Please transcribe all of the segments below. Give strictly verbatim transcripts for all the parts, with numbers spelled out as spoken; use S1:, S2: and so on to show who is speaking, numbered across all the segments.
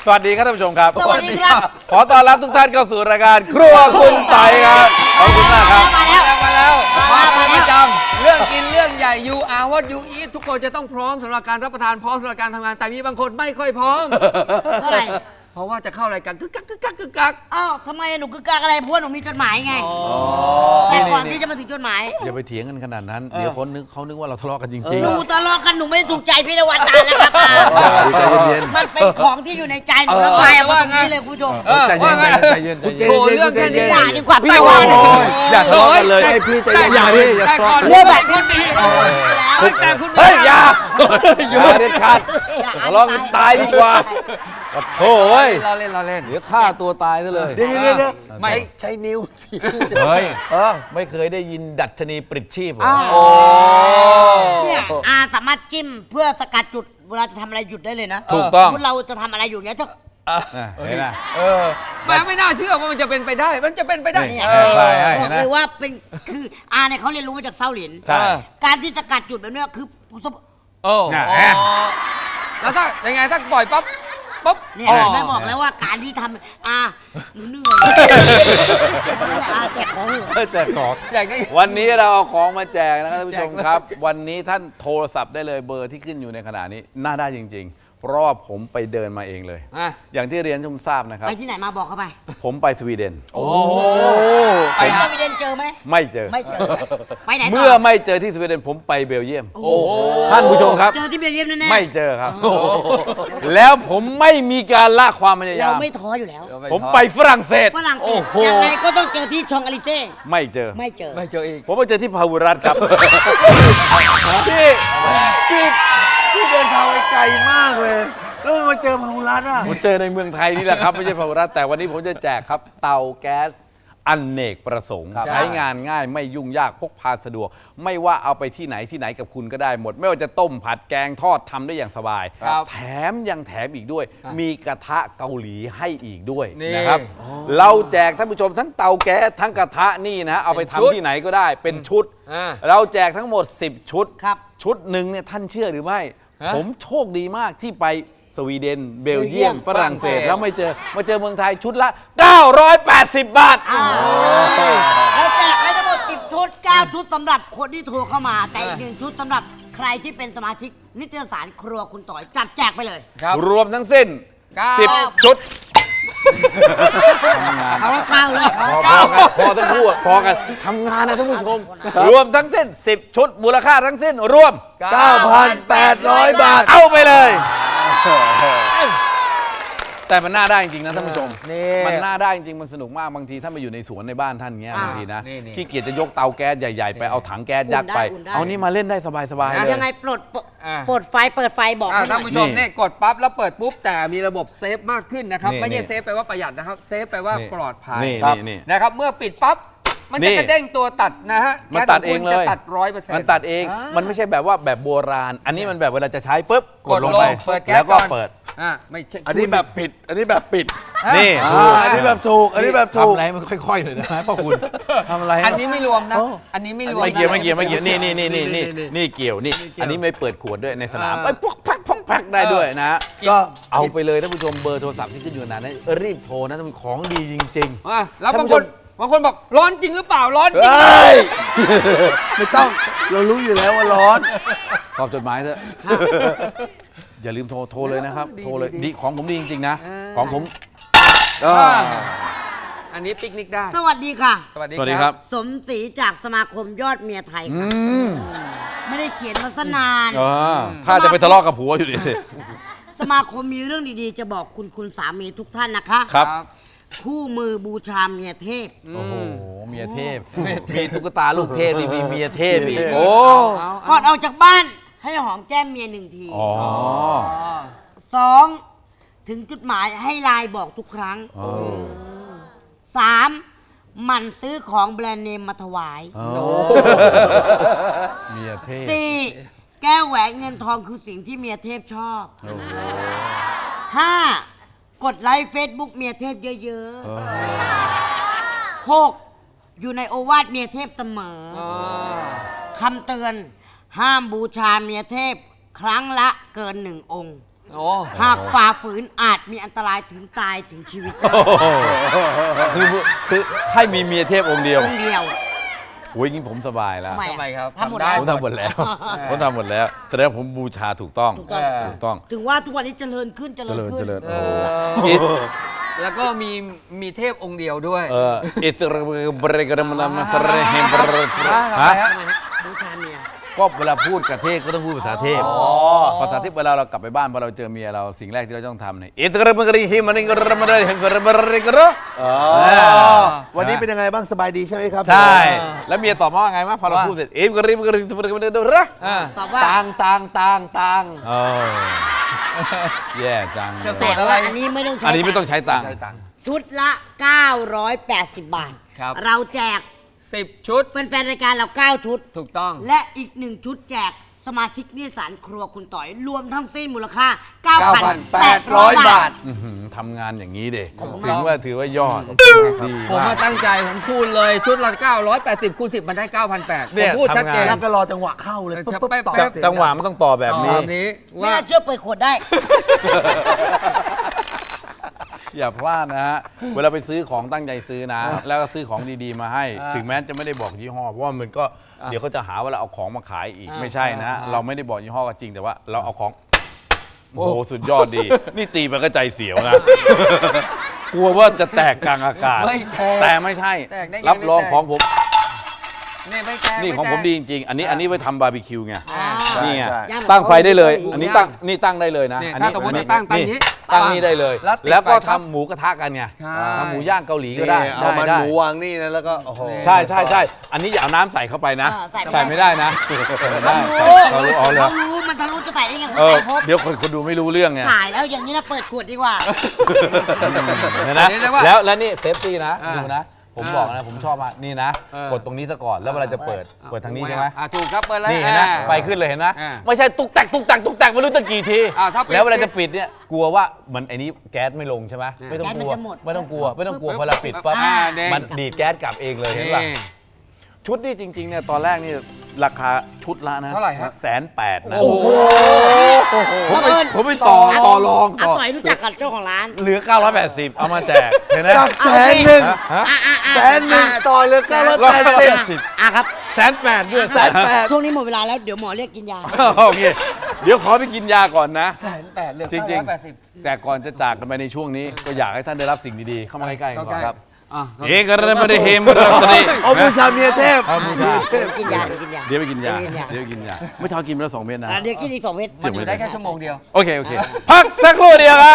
S1: วัสดีครับท่านผู้ชมครับ
S2: สวัสดีครับ
S1: ขอต้อนรับทุกท่านเข้าสู่รายการครัวคุณไต่ครับขอบคุณมากครับ
S2: มาแล้ว
S3: มาแล้ว
S2: มา
S3: มา
S2: แล้ว
S3: เป็นประจำเรื่องกินเรื่องใหญ่ you are what you eat ทุกคนจะต้องพร้อมสำหรับการรับประทานพร้อมสำหรับการทำงานแต่มีบางคนไม่ค่อยพร้อม
S2: เท่าไหร่
S3: เพราะว่าจะเข้ารายการกึกกักกึกกักกึกกัก
S2: อ้าวทำไมหนูคือกากอะไรเพราะว่าหนูมีจดหมายไงแต่ก่อนที่จะมาถึงจดหมาย
S1: อย่าไปเถียงกันขนาดนั้น เดี๋ยวคนนึกเขานึกว่าเราทะเลาะกันจริง
S2: หนูทะเลาะกันหนูไม่ถูกใจพี่นวัดตาแล้วครับอา
S1: ๆใจเย็น
S2: มันเป็นของที่อยู่ในใจหนูแล้วไปเอามาตรงนี้เลยคุณผู้ชม
S3: เออ
S1: ใจเย็
S3: ว่าน ไง
S1: ใจเย็นใจเย็น
S3: โถเรื่องแค่นี้
S2: อย่าดีกว่าพี่น
S3: แต่
S2: วั
S3: ก่
S2: ด
S3: อน
S1: โอ้ยอย่าทะเลาะกันเลยให้พี่ใจเย็นอย่าพี่อย่า
S3: แต่
S1: ทะ
S3: ก่อน
S1: เลาะ
S3: เรื่องแบบคุณมีแต่คุณ
S1: เฮ้ยอย่าอย่าเด็ดขาดทะเลาะกันตายดีกว่าโอ้ย
S3: เราเล่นเราเล่น
S1: เดี๋ยวฆ่าตัวตายซะเลย
S3: เดี๋ยวเดี๋ยวเดี๋ยวไม่
S1: ใช้นิ้วเฮ้ยไม่เคยได้ยินดัชนีปลิดชีพเหรอ
S2: อ้าว
S1: โอ้
S2: เนี่ยอาสามารถจิ้มเพื่อสกัดจุดเวลาจะทำอะไรหยุดได้เลยนะ
S1: ถูกต้อง
S2: สมมุติเราจะทำอะไรอยู่เงี้ยถ้า
S1: น่ะเห็นไหม
S3: เออแม่ไม่น่าเชื่อว่ามันจะเป็นไปได้ มันจะเป็นไปได้
S1: นี่
S3: เออ
S1: ใช่ใช่
S2: บ
S1: เห็
S2: อน ก
S1: ไหม
S2: เลยว่าเป็นคืออาเนี่ยเขาเรียนรู้มาจากเซาหลิน
S1: ใช่
S2: การที่สกัดจุดแบบเนี้ยคือ
S3: โอ้
S1: น่ะ
S3: อ๋อแล้วถ้ายังไงถ้าปล่อยปั๊บปั๊บ
S2: เนี่ย
S3: อ๋อ
S2: แม่บอกแล้วว่าการที่ทำอาหนูเหนื่อยอาแกะของเหรอ
S1: แจกของ
S3: อยากได้
S1: วันนี้เราเอาของมาแจกนะครับท่านผู้ชมครับ วันนี้ท่านโทรศัพท์ได้เลยเบอร์ที่ขึ้นอยู่ในขณะนี้น่าได้จริง ๆ เพราะว่าผมไปเดินมาเองเลย
S3: อ่ะ
S1: อย่างที่เรียนชมทราบนะครับ
S2: ไปที่ไหนมาบอกเขาไป
S1: ผมไปสวีเดน
S3: โอ้
S2: ไป
S3: ไป
S2: ส
S3: หา
S2: วีเดนเจอไหม
S1: ไม่เจอ
S2: ไม่เจอ ไปไหนต่
S1: เมื่อไม่เจอที่สวีเดนผมไปเบลเยียม
S2: โอ้โห
S1: ท่านผู้ชมครับ
S2: เจอที่เบลเยียมแน่ๆ
S1: ไม่เจอครับ แล้วผมไม่มีการละความพยายา
S2: เรา
S1: ม
S2: ไม่ท้ออยู่แล้ว
S1: ผมไปฝรั่งเศส
S2: ฝรั่งเศ
S1: โอ้
S2: ส
S1: โห
S2: ยังไงก็ต้องเจอที่ชองอลิเซ่
S1: ไม่เจอ
S2: ไม่เจอ
S3: ไม่เจออีก
S1: ผมไปเจอที่พาวุรัตครับ พี่พี่พี่เดินทางไปไกลมากเลยแล้วมาเจอพาวุรัตอ่ะผมเจอในเมืองไทยนี่แหละครับไม่ใช่พาวุรัตแต่วันนี้ผมจะแจกครับเตาแก๊สอเนกประสงค์ใช้งานง่ายไม่ยุ่งยากพกพาสะดวก ไม่ว่าเอาไปที่ไหนที่ไหนกับคุณก็ได้หมด ไม่ว่าจะต้มผัดแกงทอดทำได้อย่างสบาย
S3: ครับ
S1: แถมยังแถมอีกด้วย มีกระทะเกาหลีให้อีกด้วย
S3: นี่
S1: นะครับ เราแจกท่านผู้ชมทั้งเตาแก๊สทั้งกระทะนี่นะเอาไปทำที่ไหนก็ได้เป็นชุด
S3: อ่า
S1: เราแจกทั้งหมดสิบชุด
S2: ครับ
S1: ชุดหนึ่งเนี่ยท่านเชื่อหรือไม่
S3: ฮะ
S1: ผมโชคดีมากที่ไปสวีเดน เบลเยียม
S2: เบลเยียม
S1: ฝรั่งเศส
S3: ฝรั่งเศส
S1: แล้วไม่เจอมาเจอเมืองไทยชุดละ เก้าร้อยแปดสิบ บาท
S2: เราแจกให้ทั้งหมดสิบชุดเก้าชุดสำหรับคนที่โทรเข้ามา แต่อีกหนึ่งชุดสำหรับใครที่เป็นสมาชิกนิตยสารครัวคุณต่อยจับแจกไปเลย
S3: ครับ
S1: รวมทั้งสิ้น
S3: เก้า
S1: สิบ ชุด
S2: เขาว่าเก้าเลยเขา
S1: พอพอกันพอทั้งคู่อะพอกันทำงานนะท่านผู้ชม รวมทั้งสิ้น สิบ ชุด มูลค่าทั้งสิ้น รวม
S3: เก้าพันแปดร้อย
S1: บาท เอาไปเลย แต่มันน่าได้จริงๆนะท่านผู้ชม
S3: นี่
S1: มันน่าได้จริงๆมันสนุกมากบางทีท่านไปอยู่ในสวนในบ้านท่านเงี้ยบางทีนะ
S3: นี่นี่
S1: ขี้เกียจจะยกเตาแก๊สใหญ่ๆไปเอาถังแก๊สยัดไป
S2: อุ่นได้
S1: เอานี่มาเล่นได้สบายๆเลย
S2: ยังไงปลดปลด
S3: อ่า
S2: ปลดไฟเปิดไฟบอก
S3: อ่า
S2: ให้หน่
S3: ท่าน
S2: อย
S3: ผู้ชมเนี่ยกดปั๊บแล้วเปิดปุ๊บแต่มีระบบเซฟมากขึ้นนะครับ
S1: นี่
S3: ไม่ใช่
S1: นี่
S3: เซฟแปลว่าประหยัดนะครับเซฟแปลว่า
S1: นี่
S3: ปลอดภัย
S1: นี่
S3: ครับ
S1: นี่นี่
S3: นะครับเมื่อปิดปั๊บมัน
S1: นี่
S3: จะกระเด้งตัวตัดนะฮะ
S1: มันตัดเองเลย
S3: แก๊สขคุณจะตัดร้อยเปอร์เซ็นต์
S1: มันตัดเอง มันไม่ใช่แบบว่าแบบโบราณ อันนี้มันแบบเวลาจะใช้ปุ๊บกดลงไป
S3: เปิดแก๊ส
S1: แล้วก็
S3: ก่อน
S1: เปิด
S3: อ่าไม่ใช่
S4: อันนี้แบบผิด อันนี้แบบปิด
S1: นี่
S4: อ่าอันนี้แบบถูก อันนี้แบบถูก
S1: ทำอะไรมันค่อยๆหน่อยนะพ่อคุณทำอะไร
S3: อันนี้ไม่รวมนะ อันนี้ไม่รวม
S1: ไม่เกี่ยว
S3: นะ
S1: ไม่เกี่ยวไม่เกี่ยวนี่นี่นี่นี่นี่
S3: นี่
S1: นี่เกี่ยวนี่
S3: นี่เกี่ยว
S1: อันนี้ไม่เปิดขวดด้วยในสนาม
S3: อ่า
S1: ไอ้ยพวกพักพวกพักได้ด้วยนะ
S3: ก็
S1: ก็เอาไปเลยท่านผู้ชมเบอร์โทรศัพท์ที่ขึ้นอยู่นั้นนะรีบโทรนะมันของดีจริง
S3: อ่ะแล้ว
S1: ท่า
S3: บาน ง
S1: ผู้
S3: ค
S1: ช
S3: น
S1: ม
S3: บางคนบอกร้อนจริงหรือเปล่าร้อน
S1: ๆ
S3: จริง
S1: เฮ้ย
S4: ไม่ต้อง เรารู้อยู่แล้วว่าร้อน
S1: ตอบจดหมายเถอะอย่าลืมโทรโทรเลยนะครับ
S3: ดี
S1: โทรเลย
S3: ดี
S1: ดีของผมดีจริงๆนะ
S3: อ่า
S1: ของผม
S3: อ่าอันนี้ปิกนิกได้
S2: สวัสดีค่ะ
S3: สวัสดี
S1: สวัสดีครับ
S2: สมศรีจากสมาคมยอดเมียไทยค่ะไม่ได้เขียนมาสนาน
S1: อ่าถ้าจะไปทะเลาะกับผัวอยู่ดิ
S2: สมาคมมีเรื่องดีๆ จะบอกคุณคุณสามีทุกท่านนะคะ
S1: ครับ
S2: คู่มือบูชาเมียเทพ
S1: โอ้โหเมียเทพมีตุ๊กตาลูกเทพนี่มีเมียเทพอีก
S4: เมียเทพ
S1: โอ้
S3: เอา
S2: ก่อนออกจากบ้านให้หอมแก้มเมียหนึ่งที
S1: อ๋อ
S2: สองถึงจุดหมายให้ไลน์บอกทุกครั้ง
S1: อ๋อ
S2: สามหมั่นซื้อของแบรนด์เนมมาถวาย
S1: อ๋อเมียเทพ
S2: สี่แก้วแหวนเงินทองคือสิ่งที่เมียเทพชอบห้ากดไลค์เฟซบุ๊กเมียเทพเยอะๆหกอยู่ในโอวาทเมียเทพเสมอ
S3: อ๋อ
S2: คำเตือนห้ามบูชาเมียเทพครั้งละเกินหนึ่งองค์
S3: โอ้
S2: หากฝ่าฝืนอาจมีอันตรายถึงตายถึงชีวิตได้
S1: โอ้โหคือคือให้มีเมียเทพองค์เดียว
S2: คนเดียว
S1: โอ้ยงี้ผมสบายแล้ว
S2: ทำไม
S3: ทำไมครับ
S2: ทำหมด
S3: ทำได้
S2: แล้ว
S1: ผมทำหมดแล้วผมทำหมดแล้วแสดงว่าผมบูชาถูกต้อง
S2: ถูกต้อง
S1: ถูกต้อง
S2: ถึงว่าทุกวันนี้เจริญขึ้นเจ
S1: เจ
S2: ริญ
S1: ริญ
S2: ขึ้น
S1: เจริญ
S3: เอ
S1: โอ้โห
S3: อ
S1: อิท
S3: แล้วก็มีมีเทพองค์เดียวด้วย
S1: เอออิสระเบรกรมนามสระเฮมบร
S3: ฮะ
S1: ฮะ
S3: ฮะ
S2: บูชาเมีย
S1: ก็เวลาพูดกับเทพก็ต้องพูดภาษาเทพภาษาเทพเวลาเรากลับไปบ้านพอเราเจอเมียเราสิ่งแรกที่เราต้องทำเนี่ยอิสระเบรกเฮมันกรมนามเฮมบรบรกร
S4: วันนี้เป็นยังไงบ้างสบายดีใช่ไหมครับ
S1: ใช่ แล้วเมียตอบมาว่าไงมั้ยพอเราพูดเสร็จเอ็มกริมกริมกริมกริมระ
S3: อ่า
S2: ตอบว่า
S3: ตังตังตังตัง
S1: โอ้แย่จัง
S3: จะ
S2: แต่ว่าอันนี้ไม่ต้องใช้
S1: อันนี้ไม่ต้องใช้ตังค์
S2: ชุดละ เก้าร้อยแปดสิบ บาท
S3: ครับ
S2: เราแจก
S3: สิบชุด
S2: แฟนๆรายการเรา เก้า ชุด
S3: ถูกต้อง
S2: และอีกหนึ่งชุดแจกสมาชิกนิสสันครัวคุณต่อย รวมทั้งสิ้นมูลค่า เก้าพันแปดร้อย บาท
S1: อื้อหือทำงานอย่างนี้เด็
S3: ขอบคุณ
S1: ถึง
S3: ครับ
S1: ว่าถือว่ายอดดี
S3: ผม
S1: มาม
S3: าก ตั้งใจผมพูดเลยชุดละเก้าร้อยแปดสิบคูณสิบมันได้เก้าพันแปดผ
S1: เนี่
S3: ม
S1: ย
S3: พูดชัดเจน
S1: ทำงาน
S4: แล้วก็รอจังหวะเข้าเลยปุ๊บปุ๊บต่อ
S3: แป๊บ
S4: เสีย
S1: จังหวะมันต้องต่อแบบนี้
S3: แบบนี้
S2: ไม่
S3: ว่า
S2: น่าเชื่อเปิดขวดได้
S1: อย่าพลาดนะฮะ เวลาไปซื้อของตั้งใจซื้อนะ แล้วก็ซื้อของดีๆมาให้
S3: อ่า
S1: ถึงแม้จะไม่ได้บอกยี่ห้อ เพราะว่ามันก็เดี๋ยวเขาจะหาว่าเราเอาของมาขายอีก
S3: อ่า
S1: ไม่ใช่นะฮะ
S3: อ่า
S1: เราไม่ได้บอกยี่ห้อก็จริงแต่ว่าเราเอาของโอ้โหสุดยอดดี นี่ตีไปก็ใจเสียวนะ กลัวว่าจะแตกกลางอากาศ
S3: ไม่แตก
S1: แต่ไม่ใช่
S3: แตกได้ไง
S1: รับรอง
S3: ไม่แตก
S1: ของผม
S3: นี่ไม่แตก
S1: นี่ของผมดีจริงๆ อันนี้อันนี้ไว้ทำบาร์บีคิวไง
S3: อ่า
S1: นี่ไง
S4: ใช่
S2: ย่างแบบ
S1: ตั้งไฟได้เลย
S2: หมู
S1: อันนี้
S3: ย่าง
S1: ตั้งนี่ตั้งได้เลยนะ
S3: เนี่ย
S1: อัน
S3: ถ้า
S1: นี้
S3: สมมติ
S1: อัน
S3: ว่าตั้งตั้งนี้
S1: ตั้งนี่ได้เลย
S3: แล้วติด
S1: แล้วก็
S3: ไฟครับ
S1: ทำหมูกระทะกันไง
S3: ใช่
S1: ทำหมูย่างเกาหลีก็
S4: นี่
S1: ได้
S4: เอามัน
S1: ได้
S4: หมูวางนี่นะแล้วก็โอ้โห
S1: ใช่ใช่ใช่อันนี้อย่าเอาน้ำใส่เข้าไปนะ
S2: อ่าใส่
S1: ใส่ไม่ได้นะใส่ไม่ได้
S2: เขา
S1: ใส่
S2: รู้
S1: เขารู้อ๋อเลย
S2: เขารู้มันทะลุจะใส่ได้ยังไง
S1: เออ
S2: ใส่พบ
S1: เดี๋ยวคนคนดูไม่รู้เรื่องไง
S2: ขายแล้วอย่างนี้นะเปิดขวดดีกว่า
S1: เห็นนะ
S3: อันนี้เรียกว่า
S1: แล้วแล้วนี่เซฟตี้นะ
S3: อ่า
S1: ดูนะ ผม
S3: อ่า
S1: บอกนะผมชอบมากนี่นะ
S3: เออ
S1: กดตรงนี้ซะก่อนแล้วเวลาจะเปิดเปิดทางนี้ใช่ไหม
S3: อ่ะถูกครับเปิดแล้ว
S1: นี่เห็นนะ
S3: อ่า
S1: ไฟขึ้นเลยเห็นนะ
S3: อ่า
S1: ไม่ใช่ตุกแตกตุกแตกตุกแตกไม่รู้จะกี่ที
S3: อ่าถ้าปิด
S1: แล้วเวลาจะปิดเนี่ยกลัวว่ามันไอ้นี้แก๊สไม่ลงใช่ไหมไม่ต้อง
S2: แก๊ส
S1: ก
S2: มัน
S1: ลัว
S2: จะหมด
S1: ไม่ต้องกลัวไม่ต้องกลัวพอเราปิดปั๊บ
S3: อ่าเด้ง
S1: มันดีดแก๊สกลับเองเลยเห็นป่ะ
S3: นี่
S1: ชุดนี่จริงๆเนี่ยตอนแรกนี่ราคาชุดละนะ
S3: เท่าไหร่ฮะ
S1: แสนแปดนะ
S2: โอ้โห
S1: ผมไปผมไปต่อ
S2: อ่ะ
S1: ต่อรอง
S2: อา
S1: ต่อ
S2: ต่อยรู้จักกับเจ้าของร้าน
S1: เหลือเก้าร้อยแปดสิบเอามาแจกเห็นไหม
S4: จากแสนหนึ่ง
S1: ฮะ
S2: อ่ะอ่ะอ่ะ
S4: แสนหนึ่งต่อเหลือเก้าร้อยแปดสิบ
S1: สิบ
S2: อ่ะครับ
S1: แสนแปดด้วย
S4: แสนแปด
S2: ช่วงนี้หมดเวลาแล้วเดี๋ยวหมอเรียกกินยา
S1: โอเคเดี๋ยวขอไปกินยาก่อนนะ
S3: แสนแปดเหลือ
S1: จริง
S3: เก้าอยแปดสิบ
S1: ๆ แต่ก่อนจะจากกันไปในช่วงนี้ ก็อยากให้ท่านได้รับสิ่งดีๆ เข้ามาใกล้ๆกันก่อน
S3: ครับอ่ะ
S1: เอกระไม่ได้เฮมรัสนี
S4: เอาบูชาเมียเทพ
S1: เอาบูชา
S2: เดี๋ยวกินยาเดี๋ยวกินยา
S1: เดี๋ยวไปกินยา
S2: เดี๋ยวกินยา
S1: เดี๋ยวไปกินยาเมื่อเช้ากินไปแล้วสองเม็ดนะ
S2: อ่ะเดี๋ยวกินอีกสองเม็ด
S3: มันอยู่ได้แค่ชั่วโมงเดียว
S1: โอเค โอเค พักสักครู่เดียวครับ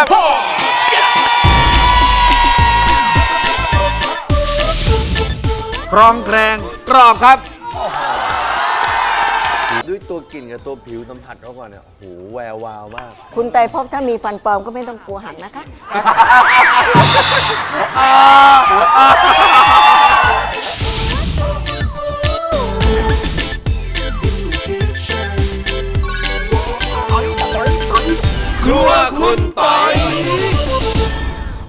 S1: ครองแครงกรอบครับ
S4: ด้วยตัวกลิ่นกับตัวผิวสัมผัสเขาก่อนเนี่ยโอ้โหแวววาวมาก
S5: คุณไตรภพถ้ามีฟันปลอมก็ไม่ต้องกลัวหักนะคะ
S1: อ่า